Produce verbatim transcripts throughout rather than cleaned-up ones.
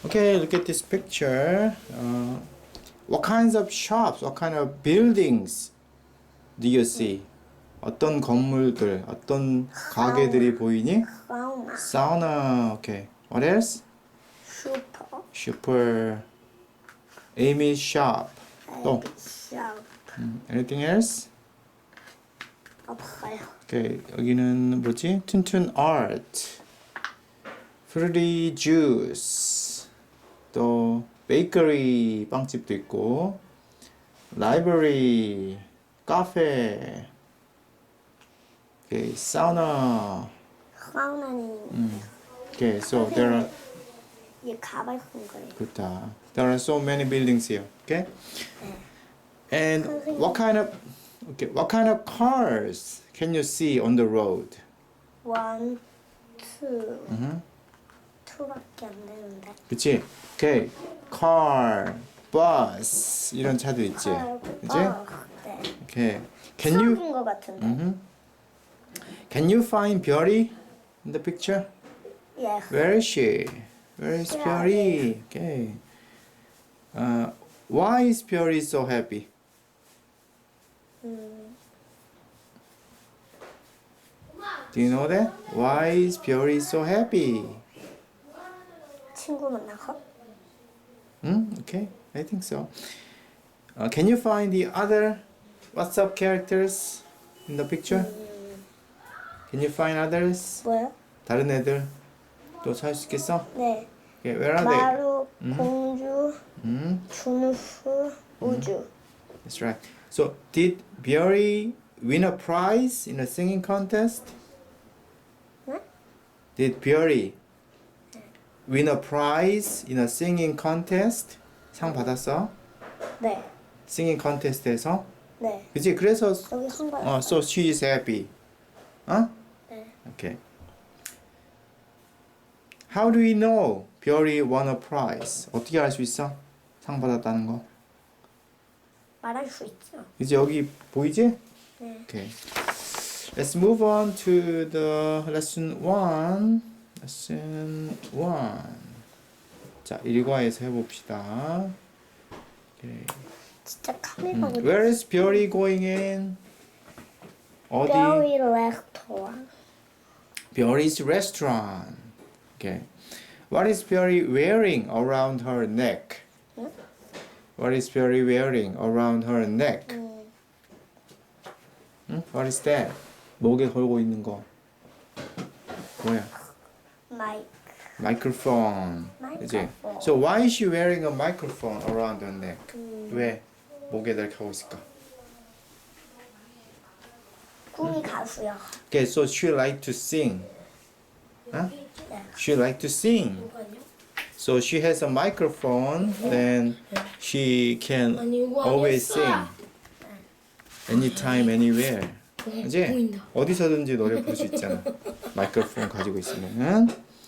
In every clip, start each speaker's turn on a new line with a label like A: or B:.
A: Okay, look at this picture. Uh, what kinds of shops, what kind of buildings do you see? 어떤 건물들, 어떤 가게들이 보이니?
B: 사우나.
A: Sauna. Okay. What else?
B: 슈퍼.
A: Super. Amy's shop. 또.
B: 샵.
A: 음, anything else?
B: 없어요.
A: Okay. 여기는 뭐지? 툰툰 Art. Fruity Juice. 또 베이커리 빵집도 있고. Library. 카페. Okay. Sauna.
B: 사우나는
A: Okay. So there are
B: 얘 가발 쓴 거예요.
A: 좋다. There are so many buildings here. Okay. And what kind of okay? What kind of cars can you see on the road?
B: 원, 투.
A: 음.
B: 투밖에 안 되는데.
A: 그치? Okay. Car, bus 이런 차도 있지. 그치?
B: 어, 네.
A: Okay. Can you
B: 수업인 것 같은데.
A: mhm. Can you find 별이 in the picture?
B: 예.
A: Where is she? Where is 별이? Okay. Uh, why is 별이 so happy?
B: 음,
A: Do you know that? Why is 별이 so happy?
B: 친구 만나서.
A: Hmm? Okay, I think so. Uh, can you find the other WhatsApp characters in the picture? Can you find others?
B: 뭐요?
A: 다른 애들 또 찾을 수 있겠어?
B: 네.
A: Okay, where are they?
B: 마루, 공주,
A: Hmm?
B: 준수, 우주.
A: That's right. So, did 별이 win a prize in a singing contest?
B: 네?
A: Did 별이 win a prize in a singing contest? 상 받았어?
B: 네.
A: singing contest에서?
B: 네.
A: 그치? 그래서
B: 여기 한 거예요.
A: 어, so she is happy. 어?
B: 네.
A: Okay. How do we know 별이 won a prize? 어떻게 알 수 있어? 상 받았다는 거.
B: 말할 수 있죠.
A: 이제 여기 보이지?
B: 네.
A: Okay. Let's move on to the lesson one. Lesson one. 자, 일과에서 해봅시다. Okay.
B: 진짜 카메라 어디?
A: Where is 별이 going in? 어디?
B: 별이 레스토랑.
A: 별이's restaurant. Okay. What is 별이 wearing around her neck?
B: 응?
A: What is 별이 wearing around her neck?
B: 음,
A: 응? What is that? 목에 걸고 있는 거. 뭐야?
B: 마이크.
A: Microphone. 그지?
B: Microphone.
A: So why is she wearing a microphone around her neck?
B: 음,
A: 왜 목에 이렇게 하고 있을까?
B: 꿈이 가수요.
A: Okay, so she like to sing. Huh?
B: 네.
A: She like to sing. So she has a microphone, then she can always sing. Anytime, anywhere. 그지? 어디서든지 노래 부를 수 있잖아. 마이크로폰 가지고 있으면.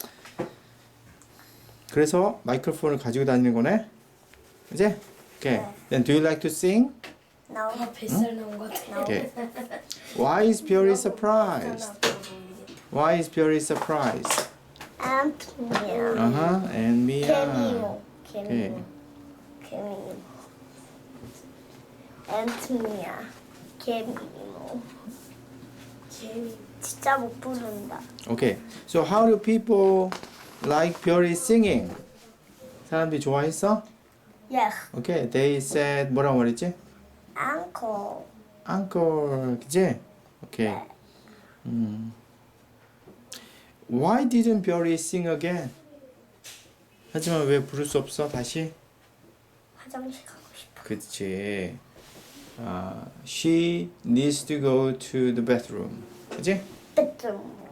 A: 그래서 마이크로폰을 가지고 다니는 거네. 그지? Okay. Then do you like to sing?
B: 나오.
C: 아, 뱃살 나온 것 같아.
A: Okay. Why is 별이 surprised? Why is 별이 surprised?
B: 앤트미야.
A: Uh-huh. And Mia.
B: 개미모.
A: Okay.
B: 개미모. 개미모. 앤트미야. 개미모.
C: 개미.
B: 진짜 못 부른다.
A: Okay. So how do people like 별이 singing? 사람들이 좋아했어?
B: 예.
A: Okay. They said 뭐라고 말했지?
B: 앙코.
A: Encore. 그지? Okay. 음. Why didn't 별이 sing again? 하지만 왜 부를 수 없어? 다시?
B: 화장실 가고 싶어.
A: 그치. 아, she needs to go to the bathroom. 그치?
B: bedroom.